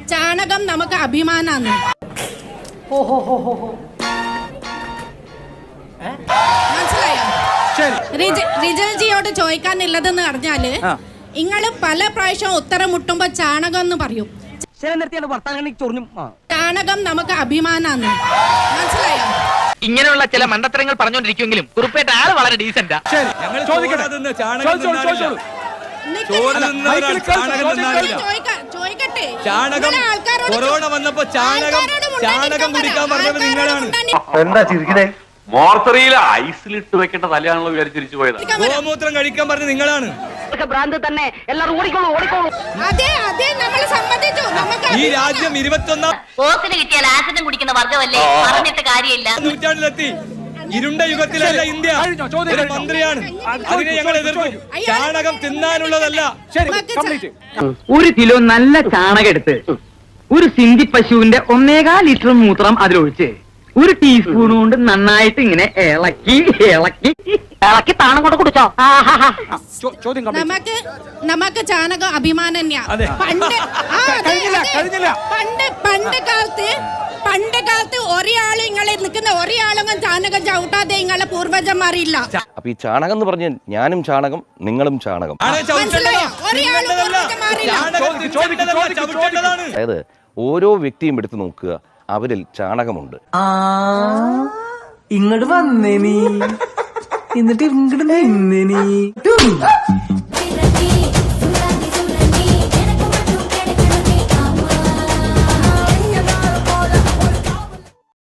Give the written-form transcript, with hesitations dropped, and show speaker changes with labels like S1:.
S1: ചാണകം നമുക്ക് അഭിമാനാണ്. മനസ്സിലായോ? റിജൽജിയോട് ചോദിക്കാനുള്ളതെന്ന് പറഞ്ഞാല് നിങ്ങള് പല പ്രാവശ്യം ഉത്തരം മുട്ടുമ്പോ ചാണകം എന്ന് പറയും. ചാണകം നമുക്ക് അഭിമാനാണ്. മനസ്സിലായോ?
S2: ഇങ്ങനെയുള്ള ചില മണ്ടത്തരങ്ങൾ പറഞ്ഞുകൊണ്ടിരിക്കുമെങ്കിലും കുറുപ്പേട്ട ആള് വളരെ ഡീസന്റാ.
S3: കൊറോണ വന്നപ്പോ ചാണകം കുടിക്കാൻ പറഞ്ഞത് നിങ്ങളാണ്.
S4: എന്താ ചിരിക്കണേ? മോർച്ചറിയിൽ ഐസിലിട്ട് വെക്കേണ്ട തലയാണല്ലോ വിചാരിച്ചിരിച്ചു പോയത്.
S3: ഗോമൂത്രം കഴിക്കാൻ പറഞ്ഞത് നിങ്ങളാണ്. ഈ രാജ്യം 21ാം നൂറ്റാണ്ടിലെത്തി. ഇരുണ്ട യുഗത്തിലല്ല ഇന്ത്യ. ഒരു മന്ത്രിയാണ്, അതിനെ ഞങ്ങൾ എതിർക്കും. ചാണകം തിന്നാനുള്ളതല്ല.
S5: ഒരു കിലോ നല്ല ചാണകം എടുത്ത് ഒരു സിന്ധി പശുവിന്റെ 1.25 ലിറ്റർ മൂത്രം അതിലൊഴിച്ച് ഒരു ടീസ്പൂൺ കൊണ്ട് നന്നായിട്ട് ഇങ്ങനെ ഇളക്കി താണം കൊണ്ട് കുടിച്ചോ.
S1: നമുക്ക് ചാണകം അഭിമാനം തന്നെയാ. പണ്ട് കാലത്ത് ഒരാളും ഇങ്ങളെ നിൽക്കുന്ന ഒരാളൊന്നും ചാണകം ചവിട്ടാതെ നിങ്ങളെ പൂർവജന്മാരില്ല.
S6: അപ്പൊ ഈ ചാണകം എന്ന് പറഞ്ഞാൽ ഞാനും ചാണകം, നിങ്ങളും ചാണകം. അതായത് ഓരോ വ്യക്തിയും എടുത്തു നോക്കുക, അവരിൽ ചാണകമുണ്ട്.
S7: ഇങ്ങോട്ട് വന്നേ നീ, എന്നിട്ട് ഇങ്ങോട്ട് നിന്നേ നീ.